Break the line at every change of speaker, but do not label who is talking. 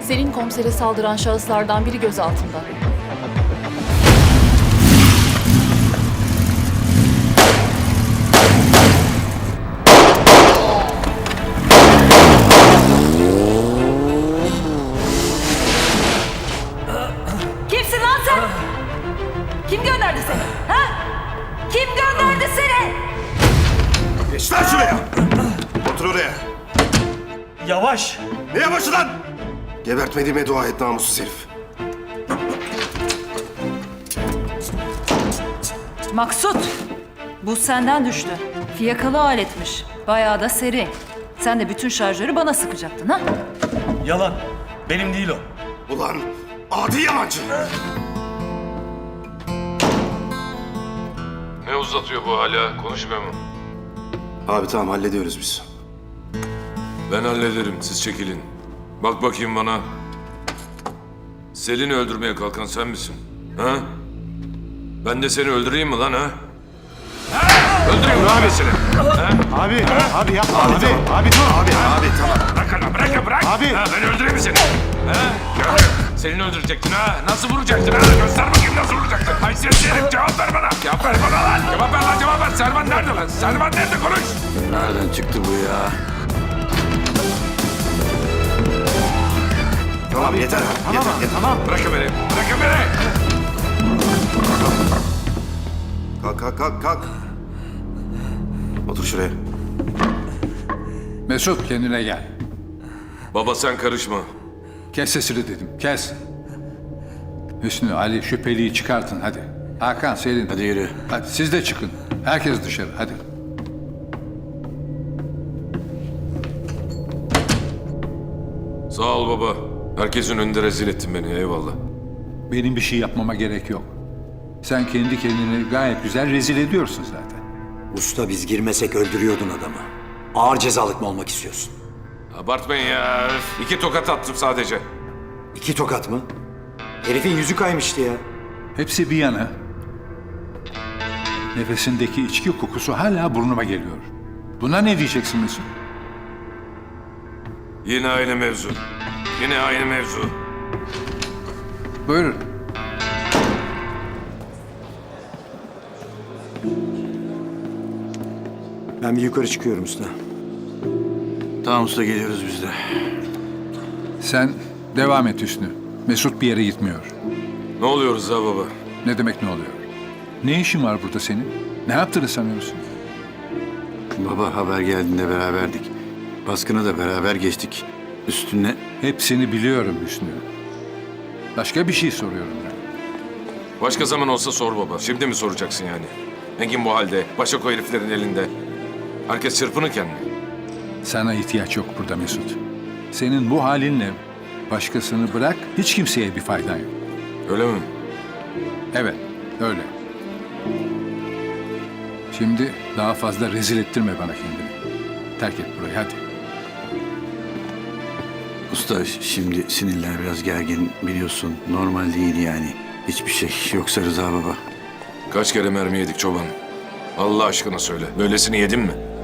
Selin komisere saldıran şahıslardan biri gözaltında.
Kimsin lan sen? Kim gönderdi seni? Ha? Kim gönderdi seni?
Geç lan şuraya! Otur oraya!
Yavaş!
Ne yavaşı lan? Gebertmediğime dua et namussuz herif.
Maksut, bu senden düştü. Fiyakalı aletmiş. Bayağı da seri. Sen de bütün şarjörü bana sıkacaktın ha?
Yalan. Benim değil o.
Ulan adi yalancı!
Ne uzatıyor bu hala? Konuşmuyor mu?
Abi tamam hallediyoruz biz.
Ben hallederim, siz çekilin. Bak bakayım bana. Selin'i öldürmeye kalkan sen misin? Ha? Ben de seni öldüreyim mi lan ha? Öldüreyim mi abi seni?
Abi yapma abi dur.
Abi tamam.
Bırak lan, bırak.
Abi.
Ha, ben öldüreyim mi seni? Ha? Selin'i öldürecektin ha? Nasıl vuracaktın ha? Göster bakayım nasıl vuracaktın? Haysiyetsiz herif, cevap ver bana. Cevap ver bana lan. Cevap ver lan, cevap ver. Servan nerede lan? Servan nerede? Konuş.
Nereden çıktı bu ya? Tamam yeter abi. Yeter.
Tamam.
Bırakın beni. Bırakın beni.
Kalk. Otur şuraya.
Mesut kendine gel.
Baba sen karışma.
Kes sesini dedim, kes. Hüsnü, Ali şüpheliyi çıkartın hadi. Hakan, Selin.
Hadi yürü.
Hadi siz de çıkın. Herkes dışarı hadi.
Sağ ol baba. Herkesin önünde rezil ettin beni. Eyvallah.
Benim bir şey yapmama gerek yok. Sen kendi kendini gayet güzel rezil ediyorsun zaten.
Usta biz girmesek öldürüyordun adamı. Ağır cezalık mı olmak istiyorsun?
Abartmayın ya. 2 tokat attım sadece.
2 tokat mı? Herifin yüzü kaymıştı ya.
Hepsi bir yana. Nefesindeki içki kokusu hala burnuma geliyor. Buna ne diyeceksin Mesut?
Yine aynı mevzu. Yine aynı mevzu.
Buyurun.
Ben bir yukarı çıkıyorum usta.
Tamam usta geliyoruz biz de.
Sen devam et Hüsnü. Mesut bir yere gitmiyor.
Ne oluyoruz ha baba?
Ne demek ne oluyor? Ne işin var burada senin? Ne yaptığını sanıyorsun?
Baba haber geldiğinde beraberdik. Baskını da beraber geçtik. Üstüne
Hepsini biliyorum Hüsnü. Başka bir şey soruyorum ben.
Başka zaman olsa sor baba. Şimdi mi soracaksın yani? Engin bu halde. Başak o heriflerin elinde. Herkes çırpınırken mi?
Sana ihtiyaç yok burada Mesut. Senin bu halinle başkasını bırak, hiç kimseye bir faydan yok.
Öyle mi?
Evet, öyle. Şimdi daha fazla rezil ettirme bana kendini. Terk et burayı hadi.
usta şimdi sinirler biraz gergin biliyorsun. Normal değil yani. Hiçbir şey yoksa Rıza baba.
Kaç kere mermi yedik çoban? Allah aşkına söyle. Böylesini yedin mi?